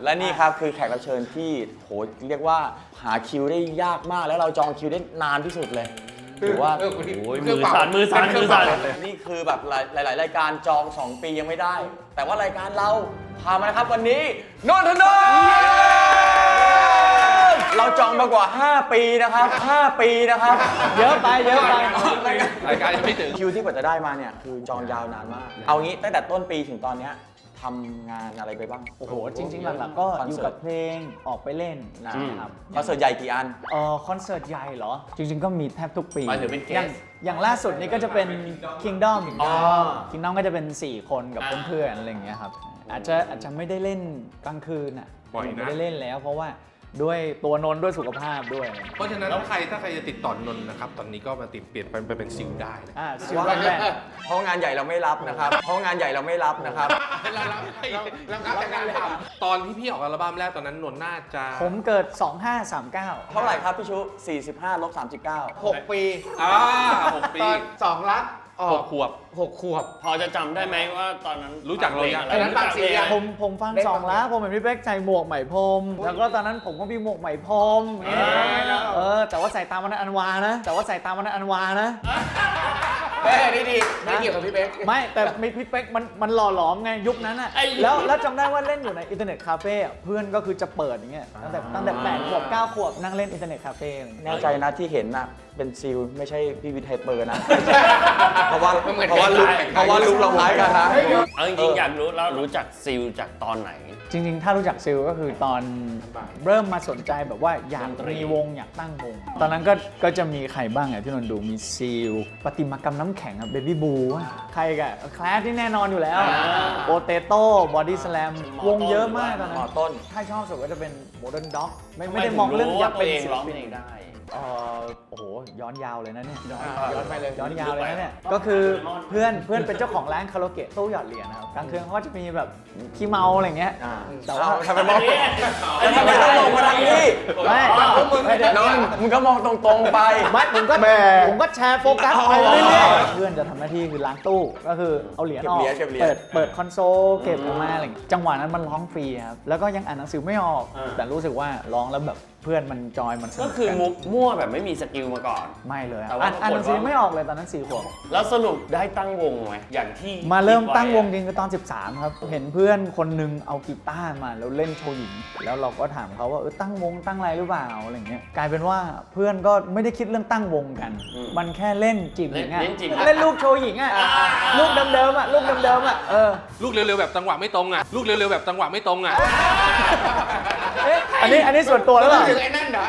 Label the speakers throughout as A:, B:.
A: และนี่ครับคือแขกรับเชิญที่โหเรียกว่าหาคิวได้ยากมากแล้วเราจองคิวได้นานที่สุดเลยถือว่า
B: โอ้ยมือสั่น
A: นี่คือแบบหลายๆรายการจอง2 ปียังไม่ได้ แต่ว่ารายการเราพามานะครับวันนี้นนทนนท์เราจองมากว่า5 ปีนะครับ5 ปีนะครับเยอะไป
B: รายการยังไม่ถึง
A: คิวที่กว่าจะได้มาเนี่ยคือจองยาวนานมากเอางี้ตั้งแต่ต้นปีถึงตอนเนี้ยทำงานอะไรไปบ้าง
C: โอ้โหจริงๆหลักๆก็อยู่กับเพลงออกไปเล่นนะครับ
A: คอนเสิร์ตใหญ่กี่อัน
C: คอนเสิร์ตใหญ่เหรอจริงๆก็มีแทบทุกปี
B: หมายถึงเป็นเกส
C: อย่างล่าสุดนี้ก็จะเป็น Kingdom ก็จะเป็น4 คนกับเพื่อนๆอะไรอย่างเงี้ยครับอาจจะไม่ได้เล่นกลางคืนอ่ะไม่ได้เล่นแล้วเพราะว่าด้วยตัวนนท์ด้วยสุขภาพด้วย
B: เพราะฉะนั้นถ้าใครจะติดต่อนนท์นะครับตอนนี้ก็มาเปลี่ยนไปเป็นซิลได้นะ
C: ซิลได้
A: เพราะงานใหญ่เราไม่รับนะครับเรารับ
B: แต่งานทำตอนที่พี่ออกอัลบั้มแรกตอนนั้นนนท์น่าจะ
C: ผมเกิด2539
A: เท่าไหร่ครับพี่ชุ45 ลบ 39
D: 6 ปี
B: 6 ปี
D: ตอน2 ลัก
B: 6 ขวบ
E: พอจะจำได้ไหมว่าตอนนั้น
B: รู้จักเราอย่างไร
D: นั้นฟังเสียง
C: ผมฟัง2 แล้วผมเห็นพี่เป๊กใส่หมวกไหมพรมแล้วก็ตอนนั้นผมก็มีหมวกไหมพรมแต่ว่าใส่ตามวันนั้นอันวานะ
D: ดีไม่เกี่ยวกับพี่เป๊ก
C: ไม่แต่มีพี่เป๊กมันหล่อหลอมไงยุคนั้นอ่ะแล้วจำได้ว่าเล่นอยู่ในอินเทอร์เน็ตคาเฟ่เพื่อนก็คือจะเปิดอย่างเงี้ยตั้งแต่8 ขวบ 9 ขวบนั่งเล่นอินเทอร์เน็ตคาเฟ่
A: แน่ใจนะที่เห็นน่ะเป็นซิลไม่ใช่พี่วิทย์ไฮเปอร์นะเพราะว่าลุกเราคล้ายกันนะ
E: เอาจริงๆอยากรู้แล้วรู้จักซิลจากตอนไหน
C: จริงๆถ้ารู้จักซิลก็คือตอนเริ่มมาสนใจแบบว่าอยากมีวงอยากตั้งวงตอนนั้นก็จะมีใครบ้างอ่ะที่นนดูมีซิลปฏิมากรรมน้ำแข็งเบบี้บูใครกันแคลสที่แน่นอนอยู่แล้วโปเตโต้บอดี้สแลมวงเยอะมากตอนนั้น
A: ต้น
C: ถ้าชอบสุดก็จะเป็นโมเดิร์นด็อกไม่ได้มองเรื่องอยากเป็นศิลปิน
E: ได้
C: โอ้โหย้อนยาวเลยนะเนี่ยย้อนไปเลยย้อนยาวเลยนะเนี่ยก็คือเพื่อนเป็นเจ้าของร้านคาราโอเกะตู้หยอดเหรียญนะครับกลางคืนเขาก็จะมีแบบขี้เมาอะไรเงี้ย
A: แต่ว่าทำไมต้องมองมาทางนี้
C: ไม่
A: มึงก็มองตรงๆไป
C: ไม่ผมก็แชร์โฟกัสไปเรื่อยๆเพื่อนจะทำหน้าที่คือล้างตู้ก็คือเอาเหรียญออกเปิดคอนโซลเก็บออกมาอะไรจังหวะนั้นมันร้องฟรีครับแล้วก็ยังอ่านหนังสือไม่ออกแต่รู้สึกว่าร้องแล้วแบบเพื่อนมันจอยมัน
E: ก็คือมั่วแบบไม่มีสกิลมาก่อน
C: ไม่เลยอ่านหนังสือไม่ออกเลยตอนนั้น4 ขวบ
E: แล้วสรุปได้ตั้งวงไหมอย่างที่
C: มาเริ่มตั้งวงจริงคือตอน13ครับเห็นเพื่อนคนนึงเอากีตาร์มาแล้วเล่นโชว์หญิงแล้วเราก็ถามเขาว่าตั้งวงตั้งอะไรหรือเปล่าอะไรเงี้ยกลายเป็นว่าเพื่อนก็ไม่ได้คิดเรื่องตั้งวงกันมันแค่เล่นจีบหญิงอ่ะเล่นลูกโชว์หญิงอ่ะลูกเดิมๆอ่ะลูกเร็วๆ
B: แบบจังหวะไม่ตรงอ่ะ
C: อันนี้ส่วนตัวแล้ว
D: ไอ้นั่นเหรอ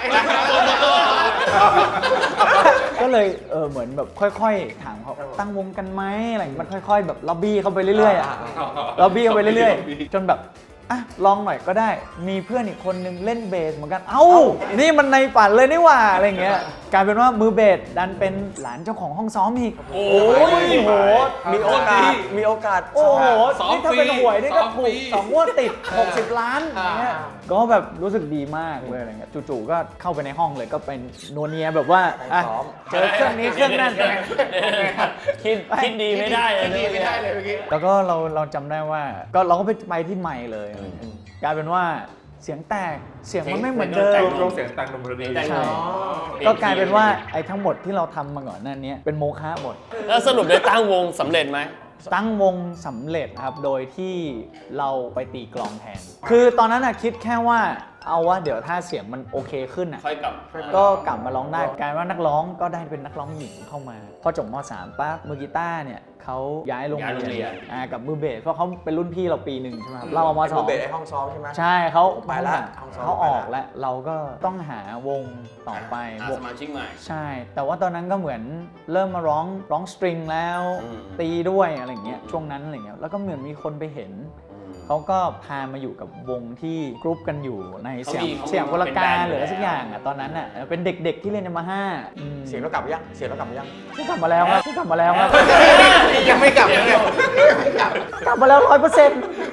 C: ก็เลยเหมือนแบบค่อยๆถามเขาตั้งวงกันไหมอะไรมันค่อยๆแบบล็อบบี้เข้าไปเรื่อยๆล็อบบี้เข้าไปเรื่อยๆจนแบบลองหน่อยก็ได้มีเพื่อนอีกคนนึงเล่นเบสเหมือนกันนี่มันในฝันเลยนี่หว่าอะไรเงี้ยกลายเป็นว่ามือเบสดันเป็นหลานเจ้าของห้องซ้อมอีก
A: โอ้โหมีโอกาส
C: โอ้โหนี่ถ้าเป็นหวยนี่ก็ถูก2 งวดติด60 ล้านอย่างเงี้ยก็แบบรู้สึกดีมากเลยอะไรเงี้ยจู่ๆก็เข้าไปในห้องเลยก็เป็นโนเนียแบบว่าเจอเครื่องนี้เครื่องนั่น
E: คิดดีไม่ได้เลยเ
C: มื่อกี้แล้วก็เราจำได้ว่าก็เราก็ไปที่ใหม่เลยกลายเป็นว่าเสียงแตกเสียงมันไม่เหมือนเดิม
B: เสียงแต่งดนตรี
C: ใช่ก็กลายเป็นว่าไอ้ทั้งหมดที่เราทำมาก่อนนั่นนี้เป็นโมฆะหมด
E: แล้วสรุปได้ตั้งวงสำเร็จไหม
C: ตั้งวงสำเร็จครับโดยที่เราไปตีกลองแทนคือตอนนั้นคิดแค่ว่าเอาว่าเดี๋ยวถ้าเสียงมันโอเคขึ้นก็กลับมาร้องได้กลายว่านักร้องก็ได้เป็นนักร้องหญิงเข้ามาพอจบม.3 ปั๊บมือกีตาร์เนี่ยเขาย้ายโรงเรียนกับมือเบสเพราะเขาเป็นรุ่นพี่เราปีหนึ่งใช่ไหมครับเรามา
A: 2มือเบสในห้องซ้อมใช่ไหม
C: ใช่เขา
A: ไปแล้ว
C: เขาออกแล้วเราก็ต้องหาวงต่อไป
E: สมาชิกใหม่
C: ใช่แต่ว่าตอนนั้นก็เหมือนเริ่มมาร้องสตริงแล้วตีด้วยอะไรอย่างเงี้ยช่วงนั้นอะไรเงี้ยแล้วก็เหมือนมีคนไปเห็นเขาก็พามาอยู่กับวงที่กรุ๊ปกันอยู่ในเสียงวรการหรืออะไรสักอย่างตอนนั้นเป็นเด็กๆที่เล่นมา
A: เสียงเรากลับยัง
C: กลับมาแล้วครับ
D: ยังไม่กลับเลย
C: กลับมาแล้ว100%
A: อ๋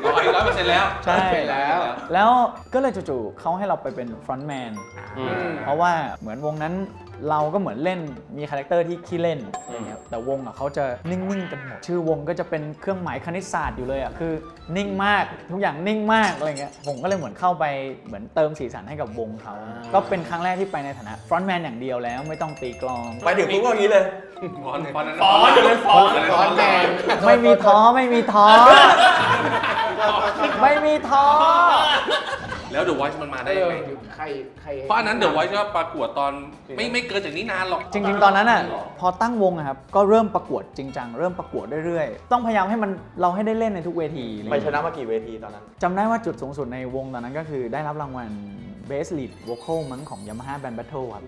B: 100% แล้ว
C: ใช่
D: แล้ว
C: แล้วก็เลยจู่ๆเขาให้เราไปเป็นฟรอนต์แมน
E: อืม
C: เพราะว่าเหมือนวงนั้นเราก็เหมือนเล่นมีคาแรคเตอร์ที่ขี้เล่นอะไรเงี้ยแต่วงอ่ะเขาจะนิ่งๆกันหมดชื่อวงก็จะเป็นเครื่องหมายคณิตศาสตร์อยู่เลยอ่ะคือนิ่งมากทุกอย่างนิ่งมากอะไรเงี้ยผมก็เลยเหมือนเข้าไปเหมือนเติมสีสันให้กับวงเขาก็เป็นครั้งแรกที่ไปในฐานะฟรอนต์แมนอย่างเดียวแล้วไม่ต้องตีกลอง
A: ไปถึงปุ๊บก็อย่างนี้เลย
B: ฟอนนั้น
E: ฟอนต์จะเป็นฟอนต์
D: ฟอนต์แมน
C: ไม่มีท้อไม่มีท้อไม่มีท้อ
B: แล้ว The Voice มันมาได้ยังไง
D: ใคร
B: เพราะอันนั้น The Voice ก็ประกวดตอนไม่เกินจากนี้นานหรอก
C: จริงๆ ตอนนั้นอ่ะพอตั้งวงอะครับก็เริ่มประกวดจริงจังเริ่มประกวดเรื่อยๆต้องพยายามให้มันเราให้ได้เล่นในทุกเวทีอะไร
A: ไป
C: เงี้ย
A: ชนะมากี่เวทีตอนนั้น
C: จำได้ว่าจุดสูงสุดในวงตอนนั้นก็คือได้รับรางวัล Best Lead Vocal มั้งของ Yamaha Band Battle ครับ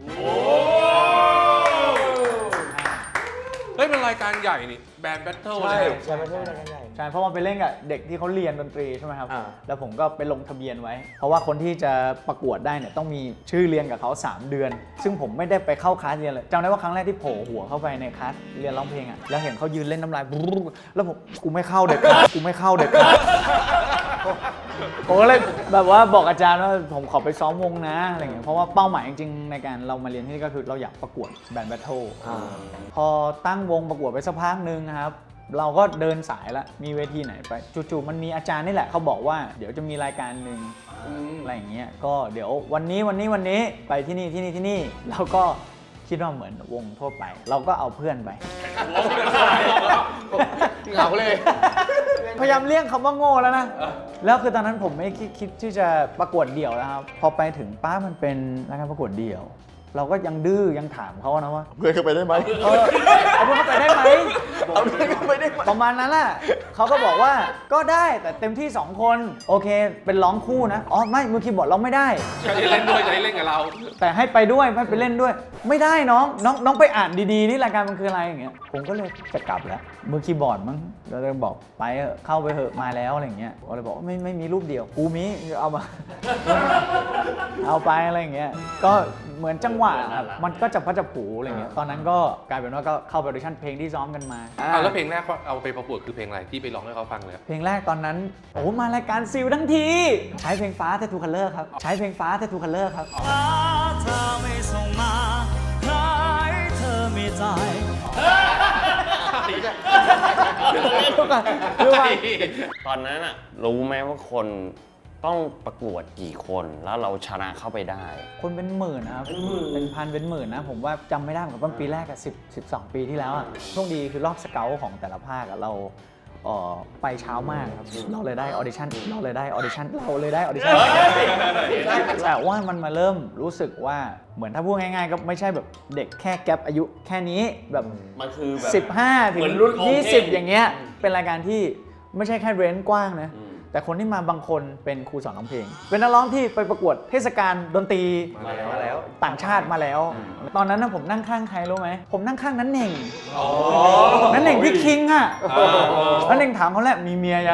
B: เฮ้ยเป็นรายการใหญ่นี่แบนด์แบทเทิลเลย
A: ใช่ไม่ใช่รายการใหญ่
C: ใช่เพราะมันไปเล่นกับเด็กที่เขาเรียนดนตรีใช่ไหมครับ
A: อ่า
C: แล้วผมก็ไปลงทะเบียนไว้ เพราะว่าคนที่จะประกวดได้เนี่ยต้องมีชื่อเรียนกับเขา 3 เดือน ซึ่งผมไม่ได้ไปเข้าคลาสเรียนเลยจำได้ว่าครั้งแรกที่โผล่หัวเข้าไปในคลาสเรียนร้องเพลงอ่ะแล้วเห็นเขายืนเล่นน้ำลายบรู๊แล้วผมกูไม่เข้าเด็กขาดกูไม่เข้าเด็กขาดผมก็เลยแบบว่าบอกอาจารย์ว่าผมขอไปซ้อมวงนะอะไรเงี้ยเพราะว่าเป้าหมายจริงๆในการเรามาเรียนที่นี่ก็คือเราอยากประกวดแบนด์แบทเทิล พอตั้งวงประกวดไปสักพักหนึ่งนะครับ เราก็เดินสายละมีเวทีไหนไปจู่ๆมันมีอาจารย์นี่แหละเขาบอกว่าเดี๋ยวจะมีรายการหนึ่งอะไรอย่างเงี้ยก็เดี๋ยววันนี้ไปที่นี่เราก็คิดว่าเหมือนวงทั่วไป เราก็เอาเพื่อนไป
D: เหงาเลย
C: พยายามเลี่ยงคำว่าโง่แล้วนะ แล้วคือตอนนั้นผมไม่คิดที่จะประกวดเดี่ยวแล้วครับพอไปถึงป้ามันเป็นรายการประกวดเดี่ยว เราก็ยังดื้อยังถามเขานะว่า
A: เพื่อนเข้าไปได้ไหม
C: เอาเพื่อนเข้าไปได้ไหม
A: เอาเพื่อนเข้าไปได้ไหม
C: ประมาณนั้นแหละเขาก็บอกว่าก็ได้แต่เต็มที่ 2 คนโอเคเป็นร้องคู่นะอ๋อไม่มือคีย์บอร์ดร้องไม่ได้
B: จะได้เล่นด้วยจะได้เล่นกับเรา
C: แต่ให้ไปด้วยให้ไปเล่นด้วย ไม่ได้น้องไปอ่านดีๆนี่รายการมันคืออะไรอย่างเงี้ยผมก็เลยจะกลับแล้วมือคีย์บอร์ดมั้งเราเลยบอกไปเถอะเข้าไปเถอะมาแล้วอะไรอย่างเงี้ยก็เลยบอกว่าไม่มีรูปเดียวกูมีเอามา เอาไปอะไรอย่างเงี้ยก็เหมือนจังหวะครับมันก็จะพัดจะผูอะไรเงี้ยตอนนั้นก็กลายเป็นว่าก็เข้าไปออดิชั่นเพลงที่ซ้อมกันมา
B: แล้วเพลงแรกเอาไปประกวดคือเพลงอะไรที่ไปร้องให้เขาฟังเลย
C: เพลงแรกตอนนั้นโอ้มารายการซิลทั้งที ใช้เพลงฟ้า Tattoo Color ครับใช้เพลงฟ้า Tattoo Color ครับ
F: เธอไม่ส่งมาใครเธอไม่ใจ
E: ตอนนั้นอะรู้ไหมว่าคนต้องประกวดกี่คนแล้วเราชนะเข้าไปได้
C: คนเป็นหมื่นนะครับเป็นพันเป็นหมื่นนะผมว่าจำไม่ได้เหมือนกันปีแรกอะ12 ปีที่แล้วอะโชคดีคือรอบสเกลของแต่ละภาคอะเราไปเช้ามากครับเราเลยได้ออดิชั่นแต่ว่ามันมาเริ่มรู้สึกว่าเหมือนถ้าพูดง่ายๆก็ไม่ใช่แบบเด็กแค่แกปอายุแค่นี้แบบ
E: มันคือแบบ
C: 15 ถึ
E: เหมื
C: ง
E: อนรุ่นองค์เทพ
C: 20 อย่างเงี้ยเป็นรายการที่ไม่ใช่แค่เรนจ์กว้างนะแต่คนที่มาบางคนเป็นครูสอนร้องเพลง เป็นนักร้องที่ไปประกวดเทศกาลดนตรี
A: มาแล้ว
C: ต่างชาติมาแล้ว ตอนนั้นนะผมนั่งข้างใครรู้ไหมผมนั่งข้างนั้นเน่งนั้นเน่งพี่คิงอ่ะนั้นเน่งถามเขาแหละมีเมียยัง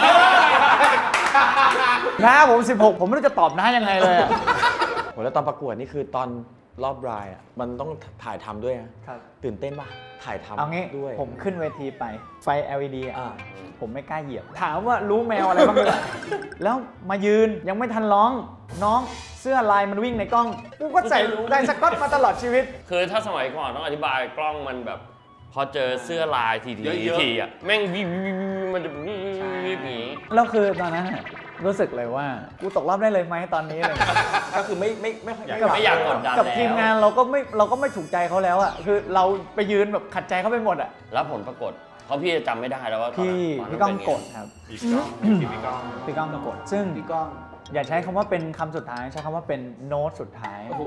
C: น้าผม 16 ผมไม่รู้จะตอบน้ายังไงเลยอะ
A: โหแล้วตอนประกวดนี่คือตอนรอบบรายอ่ะมันต้องถ่ายทำด้วยนะครับ ตื่นเต้นป่ะถ่ายทำ
C: เอางี้
A: ด้วย
C: ผมขึ้นเวทีไปไฟ LED อะ
A: อ่า
C: ผมไม่กล้าเหยียบ ถามว่ารู้แมวอะไรบ้างเลย แล้วมายืนยังไม่ทันร้อง น้องเสื้อลายมันวิ่งในกล้อง กูก็ใส่ลายสก๊อตมาตลอดชีวิต
E: คือถ้าสมัยก่อนต้องอธิบายกล้องมันแบบ พอเจอเสื้อลายที
B: เยอะๆ
E: ทีอ่ะแม่งวิวมันจะวิวอย่างนี้
C: แล้วคือตอนนั้นน่ะรู้สึกเลยว่ากูตกรอบได้เลยไหมตอนนี้อะไรอย่างเลย
A: ก็คือไม่ค่อย
E: ไม่อยากกดดัน
C: กับ
E: แล้ว
C: ทีมงานเราก็ไม่ถูกใจเขาแล้วอ่ะคือเราไปยืนแบบขัดใจเขาไปหมดอ่ะ
E: แล้วผลปรากฏเพราะพี่จะจำไม่ได้แล้วว่าตอน
C: พี่ก้องกดครับพี่ก้องกดซึ่ง
D: พี่ก้อง
C: อย่าใช้คำว่าเป็นคำสุดท้ายใช้คำว่าเป็นโน้ตสุดท้าย
D: โอ้โห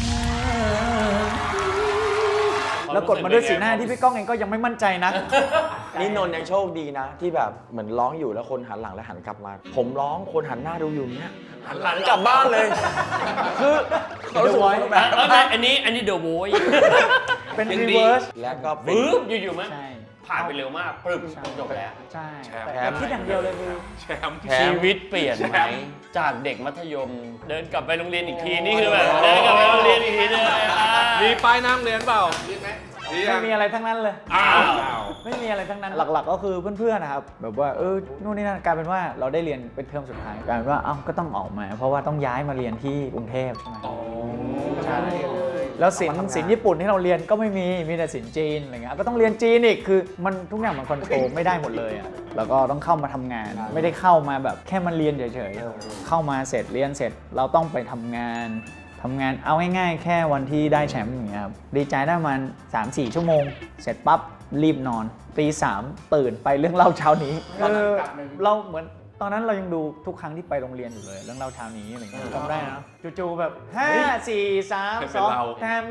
C: แล้วกดมาด้วยสีหน้าที่พี่ก้องเองก็ยังไม่มั่นใจนะ
A: นี่นนท์ยังโชคดีนะ ที่แบบเหมือนร้องอยู่แล้วคนหันหลังแล้วหันกลับมา ผมร้องคนหันหน้าดูอยู่เนี้ยหันหลังกลับบ้านเลย คือเขารู้สึกว่าแบบ
E: แล้วอันนี้เดอะโวย
C: เป็นรีเวิร์ส
A: แล้วก็เป็น
E: ปึ๊บอยู่ๆมั้ย
C: ใช่
E: ผ่านไปเร็วมากปึ๊บจบแล้ว
C: ใช่
B: แชมป์
C: แต่คิดอย่างเดียวเลยคือ
B: แชมป์
E: ชีวิตเปลี่ยนไหมจากเด็กมัธยม เดินกลับไปโรงเรียนอีกทีนี่คือแบบเดินกลับไปโรงเรียนอีกทีเลย
B: มีป้ายน้ำเรียนเปล่า
D: มีไหม
C: ไม่มีอะไรทั้งนั้นเลย
B: อ้าว
C: ไม่มีอะไรทั้งนั้นหลักๆก็คือเพื่อนๆนะครับแบบว่านู่นนี่นั่นกลายเป็นว่าเราได้เรียนเป็นเทอมสุดท้ายกลายเป็นว่าก็ต้องออกมา เพราะว่าต้องย้ายมาเรียนที่กรุงเทพใช่ไหมใช่แล้วศิลป์ญี่ปุ่นที่เราเรียนก็ไม่มีแต่ศิลป์จีนอะไรเงี้ยก็ต้องเรียนจีนอีกคือมันทุกอย่างมันคอนโทรลไม่ได้หมดเลยอ่ะแล้วก็ต้องเข้ามาทำงาน ไม่ได้เข้ามาแบบแค่มาเรียนเฉยๆเข้ามาเสร็จเรียนเสร็จเราต้องไปทำงานเอาง่ายๆแค่วันที่ได้แชมป์อย่างเงี้ยครับดีใจได้ประมาณ 3-4 ชั่วโมงเสร็จปั๊บรีบนอนตี 3ตื่นไปเรื่องเล่าเช้านี้เราเหมือนตอนนั้นเรายังดูทุกครั้งที่ไปโรงเรียนอยู่เลยเรื่องเล่าเช้านี้อะไรเงี้ยจำได้นะจู่ๆแบบ5 4 3 2แทม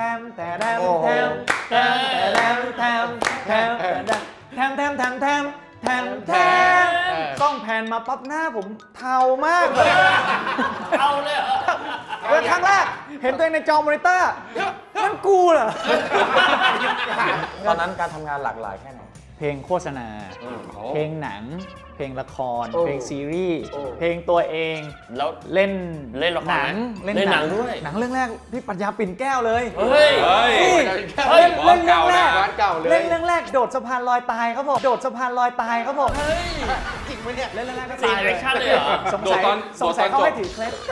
C: ต้องแผ่นมาปั๊บหน้าผมเทามากเลย
E: เอาเลยเหรอ
C: เป็นครั้งแรกเห็นตัวเองในจอมอนิเตอร์นั่นกูเหรอ
A: ตอนนั้นการทำงานหลากหลายแค่ไหน
C: เพลงโฆษณา เพลงหนัง เพลงละคร เพลงซีรีส์ เพลงตัวเอง
E: แล้ว
C: เล่น
E: ละคร
C: หนัง
E: เล่นหนังด้วย
C: หนังเรื่องแรกพี่ปรัชญาปิ่นแก้วเลย
E: เฮ้ย
C: เล่นเรื่องแรก
D: ร้านเก่าเลย
C: เล่นเรื่องแรกโดดสะพานลอยตายครับผมโดดสะพานลอยตายครับผม
D: จริงไหมเนี่ย
C: เล่นเรื่องแรกก็
E: ซี
C: ตาย
E: น
C: เล
E: แอย คชั่นเลยเหรอ
C: สงสัยเขาให้ถือเคล็ด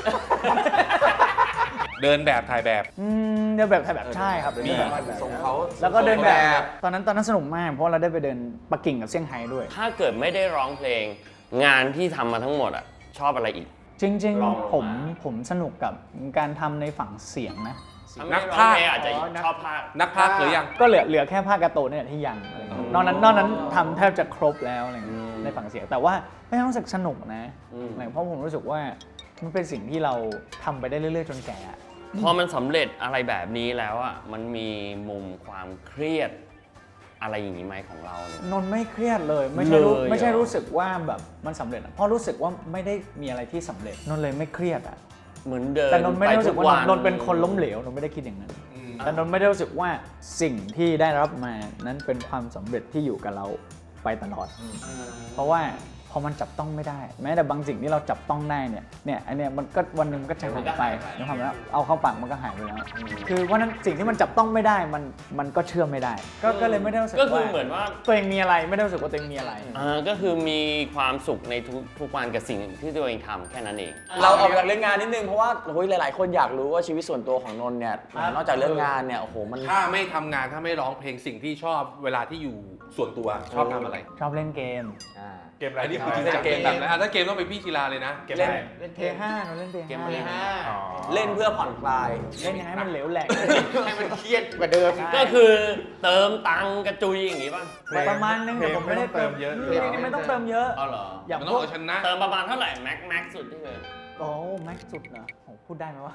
B: เดินแบบถ่ายแบบ
C: เดินแบบถ่ายแบบใช่ครับ
A: มี
C: เดินแบบถ่ายแบบ
A: ส่งเขา
C: แล้วก็เดินแบบตอนนั้นสนุกมากเพราะเราได้ไปเดินปักกิ่งกับเซี่ยงไฮ้ด้วย
E: ถ้าเกิดไม่ได้ร้องเพลง งานที่ทำมาทั้งหมดอ่ะชอบอะไรอีก
C: จริง
E: ลอง
C: ๆผมสนุกกับการทำในฝั่งเสียงนะ
E: ถ้าไม่ได้ร้องเพลงอาจจะชอบภาค
B: นักพากย์หรือยัง
C: ก็เหลือแค่ภาคการ์ตูนเนี่ยที่ยังอะไรเงี้ยนอกนั้นทำแทบจะครบแล้วอะไรเงี้ยในฝั่งเสียงแต่ว่าไม่รู้สึกสนุกนะเพราะผมรู้สึกว่ามันเป็นสิ่งที่เราทำไปได้เรื่อยๆจนแก่อะ
E: พอมันสำเร็จอะไรแบบนี้แล้วอ่ะมันมีมุมความเครียดอะไรอย่างนี้ไหมของเราเนี่ย
C: นนท์ไม่เครียดเลยไม่ใช่รู้สึกว่าแบบมันสำเร็จอะเพราะรู้สึกว่าไม่ได้มีอะไรที่สำเร็จนนท์เลยไม่เครียดอะ
E: เหมือนเดิน
C: แต่นนท์ไม่ได้รู้สึกว่า
E: ไปทุ
C: นนท์เป็นคนล้มเหลวนนท์ไม่ได้คิดอย่างนั้นแต่นนท์ไม่ได้รู้สึกว่าสิ่งที่ได้รับมานั้นเป็นความสำเร็จที่อยู่กับเราไปตลอด เพราะว่าพอมันจับต้องไม่ได้แม้แต่บางสิ่งที่เราจับต้องได้เนี่ยอันเนี้ยมันก็วันหนึ่งมันก็จะหายไปในความว่าเอาเข้าปากมันก็หายไปแล้วคือว่านั้นสิ่งที่มันจับต้องไม่ได้มันก็เชื่อไม่ได้ ก็เลยไม่ได้รู้สึก
E: ก็คือ
C: ว่า
E: เหมือนว่า
C: ตัวเองมีอะไรไม่ได้รู้สึกว่าตัวเองมีอะไร
E: ก็คือมีความสุขในทุกวันกับสิ่งที่ตัวเองทำแค่นั้นเอง
A: เราออกจากเรื่องงานนิดนึงเพราะว่าโอ้ยหลาย ๆ คนอยากรู้ว่าชีวิตส่วนตัวของนนท์เนี่ยนอกจากเรื่องงานเนี่ยโอ้โหมัน
B: ถ้าไม่ทำงานถ้าไม่ร้องเพลงสิ่งที่ชอบเวลาที่อยู่ส่วนตัวชอบทำอะไร
C: ชอบเล่นเกม
B: เกมอะไรนี่คือจริงจังเกมแบบถ้าเกมต้องเป็นพี่กีฬาเลยนะ
A: เล่น
C: เล่นเพย์5เราเล่นเพย์
E: เกมอะไร
A: เล่นเพื่อผ่อนคลาย
C: เล่นยังไงให้มันเหลวแหลก
D: ให้มันเครียดกว่าเดิม
E: ก็คือเติมตังค์กระจุยอย่างนี้ป่ะ
C: ประมาณนึงแต่ผมไม่ได้เติมเยอะไม่ต้องเติมเยอะ
E: เอาเหรอ
C: อย่าง
B: มัน
C: พ
B: ต้อง
C: วก
B: เอาชนะ
E: เติมประมาณเท่าไหร่แม็กสุดที่เคย
C: โอ้แม็กสุดเหรอผมพูดได้ไหมวะ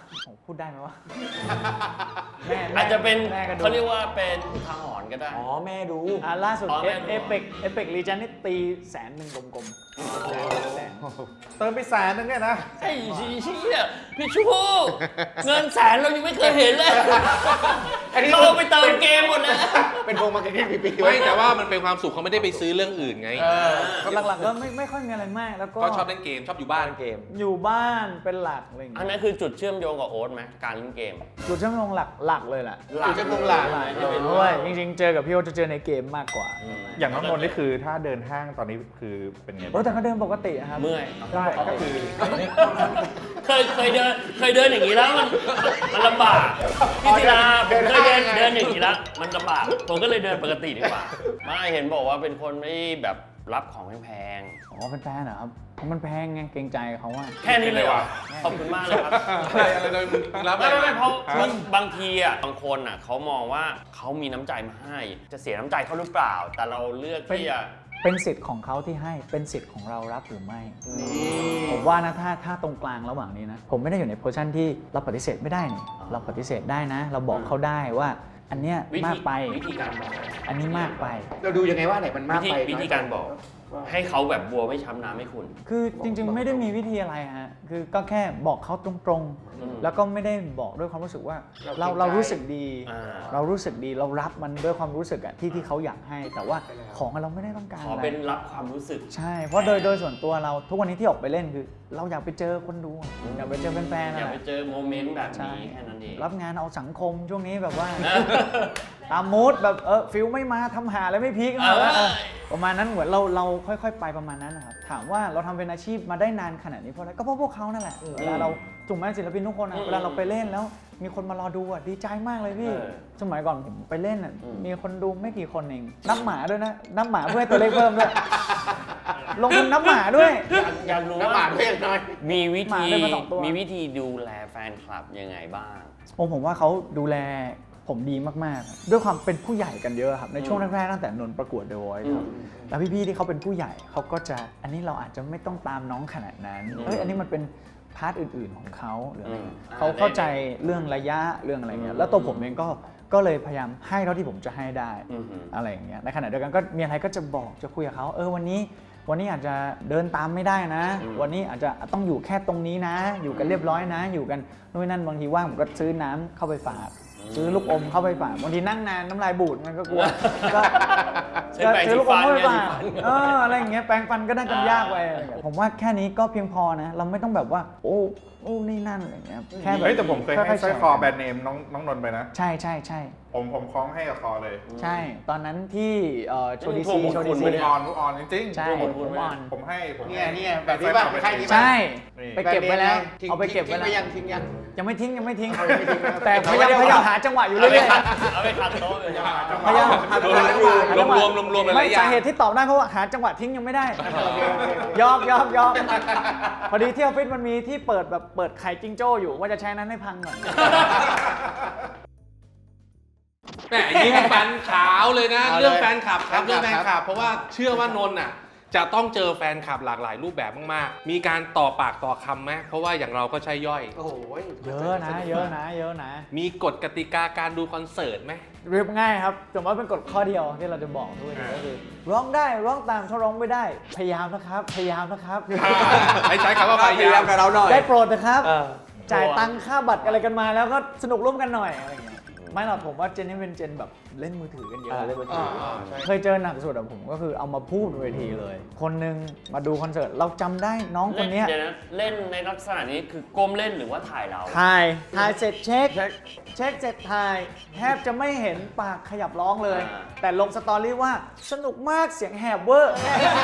C: แม่
E: อาจจะเป็น
C: แม่ก็ดู
E: เขาเรียกว่าเป็นอุทาหรณ์ก็ได้
A: อ๋อแม่ดู
C: ล่าสุด
E: อ๋อแม่ดู
C: เอเปกลีจันนี่ตี100,000กลมๆเติมไป100,000นึงเนี่ยนะ
E: ไอ้เชี่ยพี่ชูเงินแสนเรายังไม่เคยเห็นเลย
D: อันนี้
E: เราไปเติมเกมหมดเลย
D: เป็นวงมาร์เก็ตติ้งปีๆ
B: ไม่แต่ว่ามันเป็นความสุขเขาไม่ได้ไปซื้อเรื่องอื่นไง
C: หลักๆก็ไม่ค่อยมีอะไรมากแล้วก็
B: ก็ชอบเล่นเกมชอบอยู่บ้าน
A: เกม
C: อยู่บ้านเป็นหลักอะไรอย่าง
E: อัน
C: เงี้ย
E: นั้นคือจุดเชื่อมโยงกับโอ๊ตไหมการเล่นเกม
C: จุดเชื่อมโยงหลักเลยแหละ
D: อยู่จะคงหลัง
C: เพราะว่าจริงๆเจอกับพี่โอจะเจอในเกมมากกว่า
G: อย่างน้องนนท์นี่คือถ้าเดินห้างตอนนี้คือเป็นไง
C: แต่ก็เดินปกติอะครับ
E: เมื่อย
G: ใช่ก็คือ
E: เคยเดินอย่างนี้แล้วมันลำบากพี่ศิลาผมเคยเดินอย่างนี้แล้วมันลำบากผมก็เลยเดินปกติดีกว่าไม่เห็นบอกว่าเป็นคนไม่แบบรับของแพง
C: อ๋อเป็นแฟนเหรอครับเพราะมันแพงไงเกรงใจเขาว่า
E: ๆแค่นี้เลยว่ะขอบคุณมากเลยครับ
B: อะไรเลยมึงรับ
E: ไม่เพราะบางทีอ่ะบางคนอ่ะเขามองว่าเขามีน้ำใจมาให้ จะเสียน้ำใจเขาหรือเปล่า แต่เราเลือกที่จะ
C: เป็นสิทธิ์ของเขาที่ให้เป็นสิทธิ์ของเรารับหรือไม่ผมว่านะถ้าตรงกลางระหว่างนี้นะผมไม่ได้อยู่ในโพสชั่นที่เราปฏิเสธไม่ได้นี่เราปฏิเสธได้นะ เราบอกเขาได้ว่าอันเนี้ยมากไป
E: วิธีการบอก
C: อันนี้มากไป
D: เราดูยังไงว่าไหนมันมากไป
E: วิธีการบอก ให้เขาแบบบัวไม่ช้ำน้ำให้คุณ
C: คือจริงๆไม่ได้มีวิธีอะไรฮะคือก็แค่บอกเขาตรงๆแล้วก็ไม่ได้บอกด้วยความรู้สึกว่าเรารู้สึกดี เรารู้สึกดีเรารับมันด้วยความรู้สึกอะที่เขาอยากให้ แต่ว่าของเราไม่ได้ต้องการ
E: ขอ
C: อะไร
E: เป็นรับความรู้สึก
C: ใช่เพราะโดยส่วนตัวเราทุกวันนี้ที่ออกไปเล่นคือ เราอยากไปเจอคนดูอยากไปเจอแฟนๆ
E: อยาก
C: นะ
E: ไปเจอโมเมนต์แบบนี้แค่นั้นเอง
C: รับงานเอาสังคมช่วงนี้แบบว่าตามมูดแบบฟิลไม่มาทำหาแล้วไม่พีคประมาณนั้นเหมือนเราค่อยๆไปประมาณนั้นนะครับถามว่าเราทำเป็นอาชีพมาได้นานขนาดนี้เพราะอะไรก็เพราะพวกเขานั่นแหละเวลาเราถูกไหมศิลปินทุกคนเวลาเราไปเล่นแล้วมีคนมารอดูดีใจมากเลยพี่สมัยก่อนผมไปเล่นมีคนดูไม่กี่คนเองนับหมาด้วยนะนับหมาเพื่อให้ตัวเลขเพิ่มด้วยลงทุนนับหมาด้วย
E: อยากรู้
D: น้ำห
E: ว่า
D: มาด้วยอย่างน้อย
E: มีวิ
C: หมา
E: ธี
C: เดินมาสองตัว
E: มีวิธีดูแลแฟนคลับยังไงบ้าง
C: ผมว่าเขาดูแลผมดีมากๆด้วยความเป็นผู้ใหญ่กันเยอะครับในช่วงแรกๆตั้งแต่นนท์ประกวด The Voice ครับแล้วพี่ๆที่เขาเป็นผู้ใหญ่เขาก็จะอันนี้เราอาจจะไม่ต้องตามน้องขนาดนั้นอันนี้มันเป็นพาร์ทอื่นๆของเขาหรืออะไรเขาเข้าใจเรื่องระยะเรื่องอะไรเงี้ยแล้วตัวผมเองก็เลยพยายามให้เท่าที่ผมจะให้ได้อะไรอย่างเงี้ยในขณะเดียวกันก็มีอะไรก็จะบอกจะคุยกับเขาวันนี้อาจจะเดินตามไม่ได้นะ วันนี้อาจจะต้องอยู่แค่ตรงนี้นะ อยู่กันเรียบร้อยนะ อยู่กันนู่นนั่นบางทีว่างผมก็ซื้อน้ำเข้าไปฝากซื้อลูกอมเข้าไปฝากบางทีนั่งนานน้ำลายบูดมันก็กลัวก็ซื้อลูกอมเข้าไปฝากอะไรอย่างเงี้ยแปรงฟันก็ได้กันยากไปผมว่าแค่นี้ก็เพียงพอนะเราไม่ต้องแบบว่าโอ้นี่นั่นอะไรอย่างเงี้ยแค่แบบ
G: เฮ้ยแต่ผมเคยให้สร้อยคอแบรนด์เนมน้องนนท์ไปนะ
C: ใช่ใช่ใช่
G: ผมคล้องให้กับคอเลย
C: ใช่ตอนนั้นที่โชว์ดี
E: พว
C: ซี
E: กมง
C: โชว์
E: ค
C: ดี
E: ล
C: ซี
E: ไม่ได้
G: ทุกออนจริงๆ
C: ใช่ผมอ่อน
G: ผมให้
D: เนี่ยแบบนี้ป่ะใครนี้ป่ะ
C: ใช่
G: นี่
C: ไปเก็บไว้แล้ว
D: ทิ้ง
C: เอาไปเก็บไว้แล้ว
D: ทิ้งยัง
C: ยังไม่ทิ้ง
D: เอาไม่ทิ้งนะ
C: แต่พยายามหาจังหวะอยู่เรื่อย
E: เอาไปขัดโต๊ะเลย
C: ๆพยายามหาจังหวะอยู่
B: รวมๆหลายๆ
C: ไม่
B: อย่าง
C: สาเหตุที่ตอบได้เพราะว่าหาจังหวะทิ้งยังไม่ได้ยอมพอดีที่ออฟฟิศมันมีที่เปิดไข่จิงโจ้อยู่ว่าจะใช้นั้นให้พังหน่อย
B: แหมยิ้มฟันขาวเลยนะ
D: เอาเลย
B: เรื่องแฟนคลับครับ
D: แฟนคลับ
B: เรื่องแฟนคลับ เพราะว่าเชื่อว่านนท์อ่ะจะต้องเจอแฟนคลับหลากหลายรูปแบบมากๆ มีการต่อปากต่อคำไหมเพราะว่าอย่างเราก็ใช่ย่อย
D: โอ้โห
C: เยอะนะ
B: มีกฎกติกาการดูคอนเสิร์ตไหม
C: เรียบง่ายครับแต่ว่าเป็นกฎข้อเดียวที่เราจะบอกด้วยก็คือร้องได้ร้องตามถ้าร้องไม่ได้พยายามนะครับ
B: ให้ใช้คำว่าพยายาม
A: กับเราหน่อย
C: ได้โปรดนะครับ
A: เออ
C: จ่ายตังค่าบัตรอะไรกันมาแล้วก็สนุกร่วมกันหน่อยอะไรอย่างเงี้ยไม่หรอกผมว่าเจนนี่เป็นเจนแบบเล่นมือถือกันเยอะ
A: เล่นมือถือ
C: เคยเจอหนักสุดอะผมก็คือเอามาพูดบนเวทีเลย คนหนึงมาดูคอนเสิร์ตเราจำได้น้องคนเนี้ย
E: เดี๋ยวนะเล่นในลักษณะนี้คือก้มเล่นหรือว่าถ่ายเรา
C: ถ่ายเสร็จเช็คเสร็จถ่ายแทบจะไม่เห็นปากขยับร้องเลย แต่ลงสตอรี่ว่าสนุกมากเสียงแหบเวอร์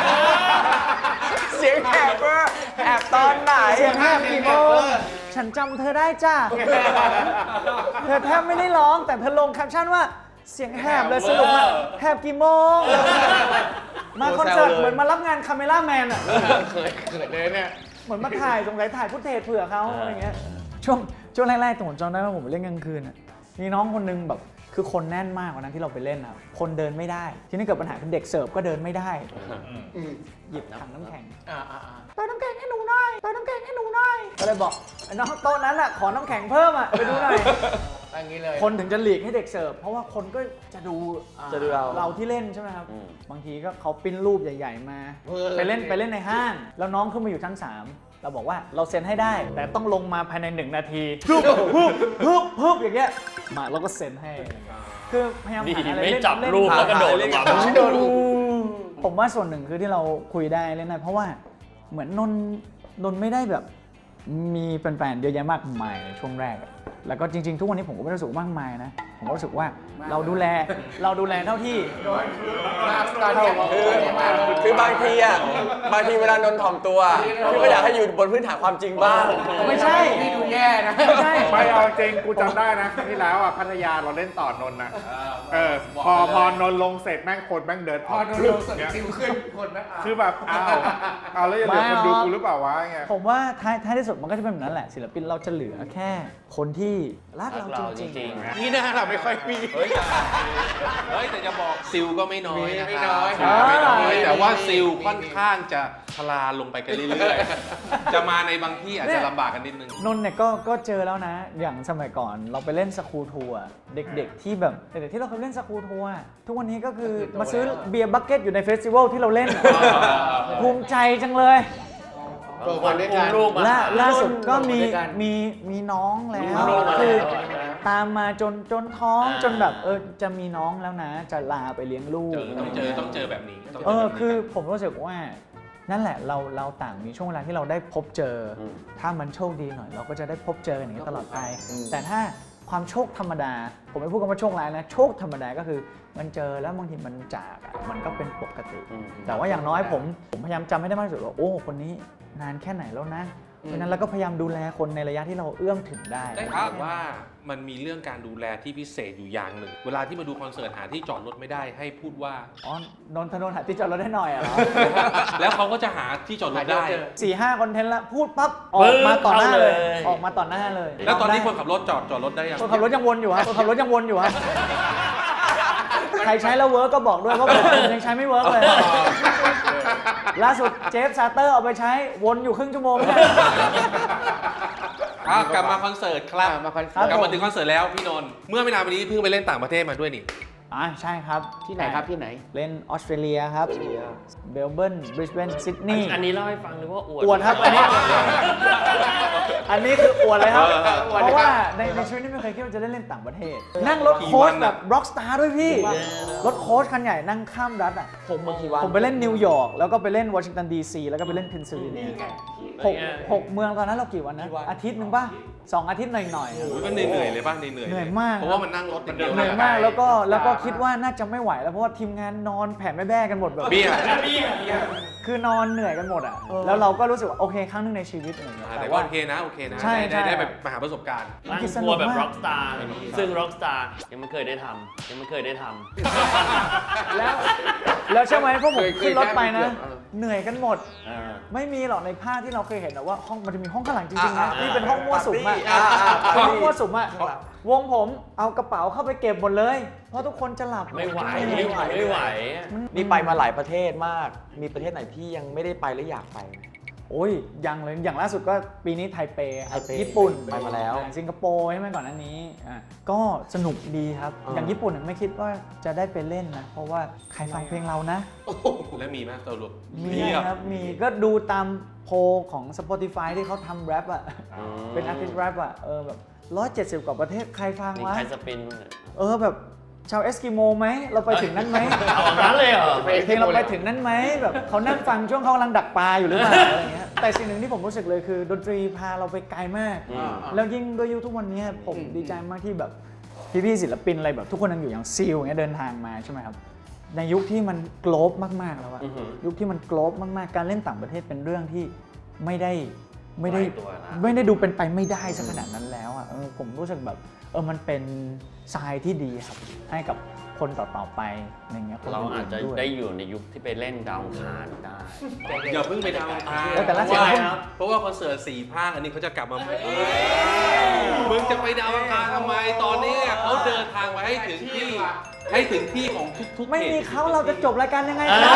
A: เสียงแหบเวอร์แหบตอนไหน
C: เสียงแหบกี่โมงฉันจำเธอได้จ้า เธอแทบไม่ได้ร้องแต่เธอลงแคปชั่นว่าเสียงแหบเลยสนุกมากแหบกี่โมง มาคอนเสิร์ตเหมือนมารับงานคาเมล่าแมนอะ
D: เคยเลยเนี่ย
C: เหมือนมาถ่ายสงสัยถ่ายฟุตเทจเผื่อเขาอะไรเงี้ยช่วงแรกๆผมจำได้ว่าผมไปเล่นกลางคืนอะมีน้องคนนึงแบบคือคนแน่นมากวันนั้นที่เราไปเล่นอะคนเดินไม่ได้ทีนี้เกิดปัญหาคือเด็กเสิร์ฟก็เดินไม่ได้หยิบถังน้ำแข็งเติมน้ำแข็งให้หนูหน่อยก็เลยบอกไอ้น้องโต๊ะนั้นอะขอน้ำแข็งเพิ่มอะไปดูหน่อย
D: อย่างนี้เลย
C: คนถึงจะหลีกให้เด็กเสิร์ฟเพราะว่าคนก็จะดู
A: จะดูเรา
C: ที่เล่นใช่ไหมครับบางทีก็เขาปริ้นรูปใหญ่ๆมาไปเล่นในห้างแล้วน้องขึ้นมาอยู่ชั้น 3 เราบอกว่าเราเซ็นให้ได้ แต่ต้องลงมาภายใน1 นาทีฮึบอย่างเงี้ยมาเราก็เซ็นให้คือพยายาม
E: ดี
C: หาอะไร
E: ไม่
C: เล่น
E: จับรูปแล้วก็โดดลงมา
C: ผมว่าส่วนหนึ่งคือที่เราคุยได้เล่นได้เพราะว่าเหมือนนนไม่ได้แบบมีแฟนๆเยอะแยะมากมายในช่วงแรกอะแล้วก็จริงๆทุกวันนี้ผมก็ไม่ได้รู้สึกมากมายนะผมก็รู้สึกว่าเราดูแลเท่าที่
D: ตอนนี้
A: คือบางทีเวลานนท์ถ่อมตัวพี่ก็อยากให้อยู่บนพื้นฐานความจริงบ้าง
C: ไม่ใช่
D: นี่ดูแย่นะ
C: ไม่ใช่
G: ไม่เอาจริงกูจำได้นะครั้งที่แล้วอ่ะพัทยาเราเล่นต่อนนท์นะพอนนท์ลงเสร็จแม่งคนแม่งเดิน
D: พอโดนลงสติวขึ้นคนนะ
G: คือแบบเอาแล้วจะเหลือคนดูกูหรือเปล่าวะเงี้ย
C: ผมว่าท้ายที่สุดมันก็จะเป็นแบบนั้นแหละศิลปินเราจะเหลือแค่คนที่รักเราจริงๆ
D: นี่น่าเราไม่ค่อยมี
B: เฮ้ยแต่จะบอกซิลก็ไม่น้อยนะ
D: ไม่น้อย
B: ซิลไม่น้อยแต่ว่าซิลค่อนข้างจะทลาลงไปกันเรื่อยๆ จะมาในบางที่อาจจะลำบากกันนิดนึง
C: นนท์เนี่ยก็เจอแล้วนะ อย่างสมัยก่อนเราไปเล่นสคูลทัวร์เด็กๆที่แบบเด็กๆที่เราเคยเล่นสคูลทัวร์ทุกวันนี้ก็คือมาซื้อเบียร์บัคเก็ตอยู่ในเฟสติวัลที่เราเล่นภูมิใจจังเลย
D: โตมาด้วยกัน
E: รูปมา
C: ล่าสุดก็มี
D: ด้วยกัน
C: มีน้องแล้ว
E: ลูกมาแล้ว
C: คือตามมาจนท้องจนแบบจะมีน้องแล้วนะ จะลาไปเลี้ยงลูก
B: ต้องเจอแบบนี้ต้องเจ
C: คือผมรู้สึกว่านั่นแหละเราต่างมีช่วงเวลาที่เราได้พบเจออถ้ามันโชคดีหน่อย เราก็จะได้พบเจอกันอย่างนี้ตลอดไป แต่ถ้าความโชคธรรมดา ผมไม่พูดคำว่าโชคร้ายนะโชคธรรมดาก็คือมันเจอแล้วบางทีมันจากอะมันก็เป็นปกติ แต่ว่าอย่างน้อยผมพยายามจำให้ได้มากที่สุดว่าโอ้คนนี้นานแค่ไหนแล้วนะเพราะฉะนั้นเราก็พยายามดูแลคนในระยะที่เราเอื้อมถึงได้
B: ได้ข่าวว่ามันมีเรื่องการดูแลที่พิเศษอยู่อย่างหนึ่ง เวลาที่มาดูคอนเสิร์ตหาที่จอดรถไม่ได้ให้พูดว่า
C: อ๋อนนทนนท์หาที่จอดรถได้หน่อยเหรอ
B: แล้วเขาก็จะหาที่จอดรถได้
C: 4-5 คอนเทนต์แล้วพูดปั๊บออกมาต่อหน้าเลย
E: เข้าเลย
C: ออกมาต่อหน้าเลย
B: แล้วตอนนี้คนขับรถจอดรถได้ยัง
C: คนขับรถยังวนอยู่ฮะคนขับรถยังวนอยู่ฮะใครใช้แล้วเวิร์กก็บอกด้วยเพราะผมยังใช้ไม่เวิร์กเลยล่าสุดเจฟซาเตอร์เอาไปใช้วนอยู่ครึ่งชั่วโมงเนี่ย
B: กลับมาคอนเสิร์ตครับ
D: มาคอน
C: ครั
D: เสิร์ต
B: กลับมาถึงคอนเสิร์ตแล้วพี่นนท์เมื่อไม่นานมานี้เพิ่งไปเล่นต่างประเทศมาด้วยนี่
C: ใช่ครับ
D: ที่ไหนครับที่ไหน
C: เล่นออสเตรเลียครับเบลเบิร์นบริสเบนซิดนีย์
E: อันนี้เล่าให้ฟังหรือว่าอวด
C: อวดครับอันนี้คืออวดเลยครับ เพราะว่าในชีวิตนี้ไม่เคยคิดว่าจะได้เล่นต่างประเทศ นั่งรถโค้ชแบบร็อกสตาร์ด้วยพี่ รถโค้ชคันใหญ่นั่งข้ามรัฐอ่ะ
A: ผมเมื่อกี่วัน
C: ผมไปเล่นนิวยอร์กแล้วก็ไปเล่นวอชิงตันดีซีแล้วก็ไปเล่นเพนซิลเวเนียหกเมืองตอนนั้นเรากี่วันนะอาทิตย์หนึ่งป่ะ2 อาทิตย์หน่อยๆ
B: โอ้ยก็เหนื่อยเลยป่ะเหนื่อย
C: เหนื่อยมาก
B: เพราะว่ามันนั่งรถอย่างเดียว
C: เหนื่อยมากแล้วก็คิดว่าน่าจะไม่ไหวแล้วเพราะว่าทีมงานนอนแผ่แม่แบ้กันหมดแบบ
B: เบี้ย
C: คือนอนเหนื่อยกันหมดอ่ะแล้วเราก็รู้สึกว่าโอเคครั้งหนึงในชีวิตอะไรเงี้ย
B: แต่
C: แต่
B: ก็
C: ว่า
B: โอเคนะโอเคนะ
C: ใช่
B: ได้แบบมาหาประสบการณ์
E: นั่งทัวร์แบบร็อกสตาร์ซึ่งร็อกสตาร์ยังไม่เคยได้ทำยังไม่เคยได้ทำ
C: แล้วใช่ไหมพวกผม
D: เคย
C: ขึ้นรถไปนะ
D: ได้
C: เหนื่อยกันหมด ไม่มีหรอกในภาพที่เราเคยเห็นนะว่าห้องมันจะมีห้องข้างหลังจริงๆนะที่เป็นห้องมั่วสุมอะเป็นห้องมั่วสุมอะวงผมเอากระเป๋าเข้าไปเก็บหมดเลย เพราะทุกคนจะหลับ
E: ไม่ไหว
A: นี่ไปมาหลายประเทศมาก มีประเทศไหนที่ยังไม่ได้ไปและอยากไปไหม
C: โอ้ยยังเลยอย่างล่าสุดก็ปีนี้ไทเปครับ
A: ไทเป
C: ญี่ปุ่น
A: ไปมาแล้ว
C: สิงคโปร์ใช่ไหมก่อนหน้านี้ก็สนุกดีครับ อย่างญี่ปุ่นไม่คิดว่าจะได้ไปเล่นนะเพราะว่าใครฟังเพลงเรานะ
B: แล้วมีไหมสรุป
C: มีครับ มีก็ดูตามโพลของ Spotify ที่เขาทำแรปอ่ะ เป็นอาร์ติสต์แรปอ่ะ แบบ170 กว่าประเทศใครฟัง
E: มี
C: วะ
E: ใครสปินบ้างเนี่ย
C: แบบชาวเอสกิโมไหม เราไปถึงนั้นไหม
E: เอาแบบนั้นเลยเหรอ
C: เพลงเราไปถึงนั้นไหมแบบเขานั่งฟังช่วงเขากำลังดักปลาอยู่หรือเปล่าอะไรเงี้ย แต่สิ่งหนึ่งที่ผมรู้สึกเลยคือดนตรีพาเราไปไกลมาก แล้วยิ่งด้วยยุคทุกวันนี้ผมดีใจมากที่แบบพี่ๆศิลปินอะไรแบบทุกคนยังอยู่อย่างซีลอย่างเงี้ยเดินทางมาใช่ไหมครับ ในยุคที่มันโกลบมากๆแล้วอะยุคที่มันโกลบมากๆการเล่นต่างประเทศเป็นเรื่องที่ไม่ได้ดูเป็นไปไม่ได้สักขนาดนั้นแล้วอะผมรู้สึกแบบมันเป็นทรายที่ดีครับให้กับคนต่อๆไปอะไรเงี้ยคน
E: เราอาจจะ
C: นๆด้วย
E: ได้อยู่ในยุคที่ไปเล่นดาวอังคารได้
B: อย่าเพิ่งไปดาวน์ทาง
C: แต่ละ
B: เพราะว่า
C: เสียง
B: เพราะว่าคอนเสิร์ต4 ภาคอันนี้เขาจะกลับมาใหม่มึงจะไปดาวอังคารทำไมตอนนี้เขาเดินทางมาให้ถึงที่ของทุกๆ
C: ไม่มี
B: ขต
C: เขาเราจะจบรายการยังไงครับ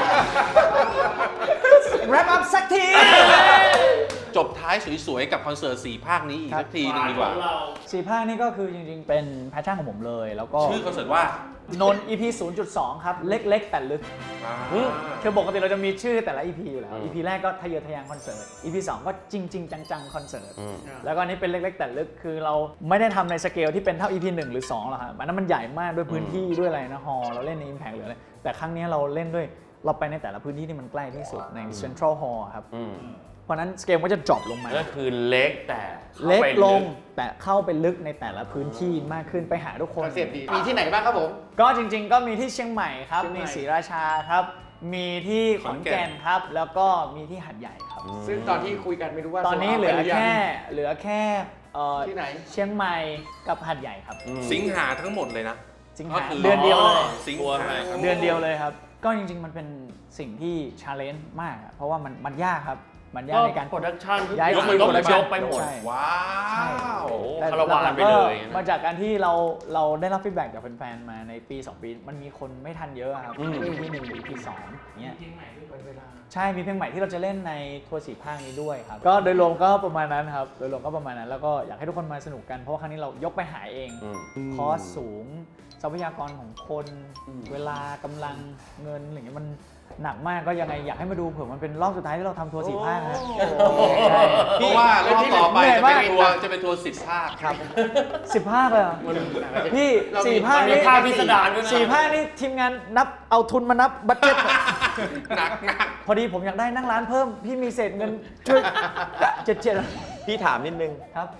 C: แรปอัพสักที
B: จบท้ายสวยๆกับคอนเสิร์ต4 ภาคนี้อีกสักทีหนึงดีกว่า
C: 4 ภาคนี้ก็คือจริงๆเป็นแพชชั่นของผมเลยแล้วก็
B: ชื่อคอนเสิร์ตว่าน
C: น EP 0.2 ครับ เล็กๆ แต่ลึก คือปกติเราจะมีชื่อแต่ละ EP อยู่แล้ว EP แรกก็ทะเยอทะยานคอนเสิร์ต EP 2 ก็จริงๆ จังๆ คอนเสิร์ต แล้วก็อันนี้เป็นเล็กๆ แต่ลึก คือเราไม่ได้ทำในสเกลที่เป็นเท่า EP 1 หรือ 2 หรอกครับอันนั้นมันใหญ่มากด้วยพื้นที่ด้วยอะไรนะฮอลเราเล่นใน Impact หรืออะไร แต่ครั้งนี้เราเล่นด้วยเราไปในแต่ละพื้นที่ที่มันใกล้ที่สุดใน Central Hall ครับ เพราะนั้นสเกลก็จะ drop ลงมา
E: ก็คือเล็กแต่ข้า
C: เล็ก
E: ไป
C: ลงแต่เข้าไปลึกในแต่ละพื้นที่มากขึ้นไปหาทุกค
D: คน อนเซ็ปต์ดีมีที่ไหนบ้างครับผม
C: ก็จริงๆ ก็มีที่เชียงใหม่ครับ
D: เชียงใหม่
C: มีศรีราชาครับ มีที่ขอนแก่นครับ แล้วก็มีที่หัดใหญ่ครับ
D: ซึ่งตอนที่คุยกันไม่รู้ว่า
C: ตอนนี้เหลือแค่
D: ที่ไหน
C: เชียงใหม่กับหัดใหญ่ครับ
B: สิงหาทั้งหมดเลยนะ
C: สิง
B: ก็
C: หา
B: คือ
C: เดือนเดียวเลย
B: สิงหา
C: เดือนเดียวเลยครับ ก็จริงๆ มันเป็นสิ่งที่ชาเลนจ์มากอะเพราะว่ามันยากครับ มันยากในการ
E: โปรดักชั่น
C: ย้าย
E: ยก
C: ทีม
E: ต้อง
C: production
E: ยกไปหมด
C: ใช่
B: ว้าว
E: โอ้โห
C: แต่
E: คาราวานไป
C: ห
E: เล
C: กๆก็
E: ย
C: มาจากการที่เราได้รับฟีดแบ็กจากแฟนๆ มาในปี 2 ปี มันมีคนไม่ทันเยอะครับที่1หรือที่2เงี้ยใช่ มีเพลงใหม่ที่เราจะเล่นในทัวร์4 ภาคนี้ด้วยครับ ก็โดยรวมก็ประมาณนั้นครับ โดยรวมก็ประมาณนั้น แล้วก็อยากให้ทุกคนมาสนุกกัน เพราะว่าครั้งนี้เรายกไปหาเอง คอสสูง ทรัพยากรของคน เวลากำลังเงินอะไรเงี้ยมันหนักมากก็ยังไงอยากให้มาดูเผื่อมันเป็นรอบสุดท้ายที่เราทำทัวร์4 ภาคนะใช่
B: เพราะว่ารอบต่อไป
C: เหนื่อยมาก
B: จะเป็นทัวร์10 ภาคครับ
C: 10 ภาคเลยเหรอพี่4 ภาค
E: มี
C: นี่
E: ภาคพิสดารด้วยนะ
C: 4 ภาคนี่ทีมงานนับเอาทุนมานับบัตเจ็ต
B: หนัก
C: พอดีผมอยากได้นั่งร้านเพิ่ม พี่มีเศษเงินช่วยเจ็ด
A: พี่ถามนิดนึง
C: ครับ
A: แอ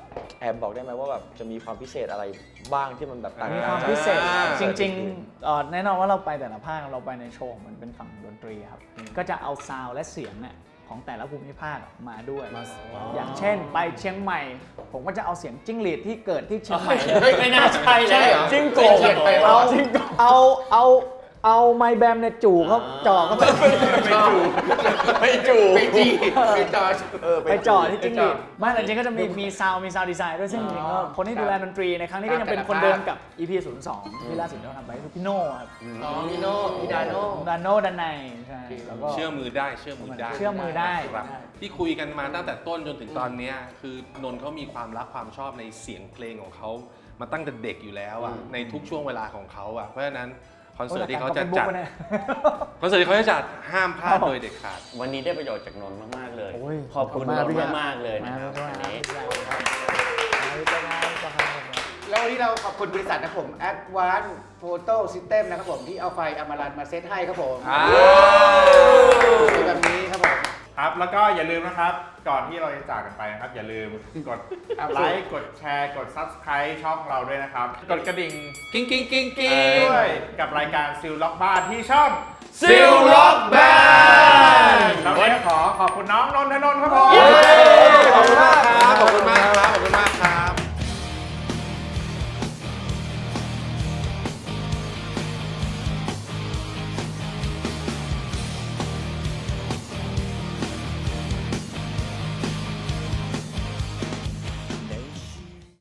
A: อบบอกได้ไหมว่าแบบจะมีความพิเศษอะไรบ้างที่มันแบบต่าง
C: มี
A: กั
C: ความ
A: จาก
C: พิเศษ
A: คอน
C: จ
A: เสิ
C: ริ
A: ร์
C: ง
A: ตอื่น
C: ๆแน่นอนว่าเราไปแต่ละภาคเราไปในโชว์มันเป็นฝั่งดนตรีครับ ก็จะเอาซาวด์และเสียงเนี่ยของแต่ละภูมิภาคมาด้วย อย่างเช่นไปเชียงใหม่ ผมก็จะเอาเสียงจิ้งหรีดที่เกิดที่เชียงใหม่
E: ไม่น่าใช่เลย
C: จิ้งโกะเอาไมค์แบมเนี่ยจู่เขาจ่อเขาไป
D: ไปจีไปจอ
C: ไปจ่อที่จิ้งหรีดไม่แต่จริงๆก็จะมีซาวดีไซน์ด้วยซึ่งจริงๆก็คนที่ดูแลดนตรีในครั้งนี้ก็ยังเป็นคนเดิมกับ EP 02ที่ล่าสุดที่เราทำไปคือพี่โน่ครับ
D: อ๋อพี่โน่พี่ดาโน่
C: ดานโน่ดันในใช่แล้วก็
B: เชื่อมือได้เชื่อมือได้
C: เชื่อมือได้
B: ครับที่คุยกันมาตั้งแต่ต้นจนถึงตอนเนี้ยคือนนท์เขามีความรักความชอบในเสียงเพลงของเขามาตั้งแต่เด็กอยู่แล้วอ่ะในทุกช่วงเวลาของเขาอ่ะเพราะฉะนั้นคอนเสิร์ตที่เขาจะจัดคอนเสิร์ตที่เขาจะจัดห้ามพลาดโดยเด็ดขาด
E: วันนี้ได้ประโยชน์จากนนท์มากๆเลย
C: โอ้ย
E: ขอบคุณนนท์มากๆเลยนะครับ
C: มา
E: วันนี้
D: แล้ววันนี้เราขอบคุณบริษัทนะครับผม Advanced Photo System นะครับผมที่เอาไฟอมรันมาเซตให้ครับผมแบบนี้ครับผม
G: ครับ แล้วก็อย่าลืมนะครับ ก่อนที่เราจะจากกันไปนะครับ อย่าลืมกดไลค์ กดแชร์ กด Subscribe ช่องเราด้วยนะครับ กดกระดิ่ง
B: กิ้งกิ้งกิ้งกิ้ง
G: ด้วยกับรายการซิลล็อกบ้านที่ช่อง
E: ซิลล็อกแบน
G: เราวันนี้ขอขอบคุณน้องนนทนนท์ครับผม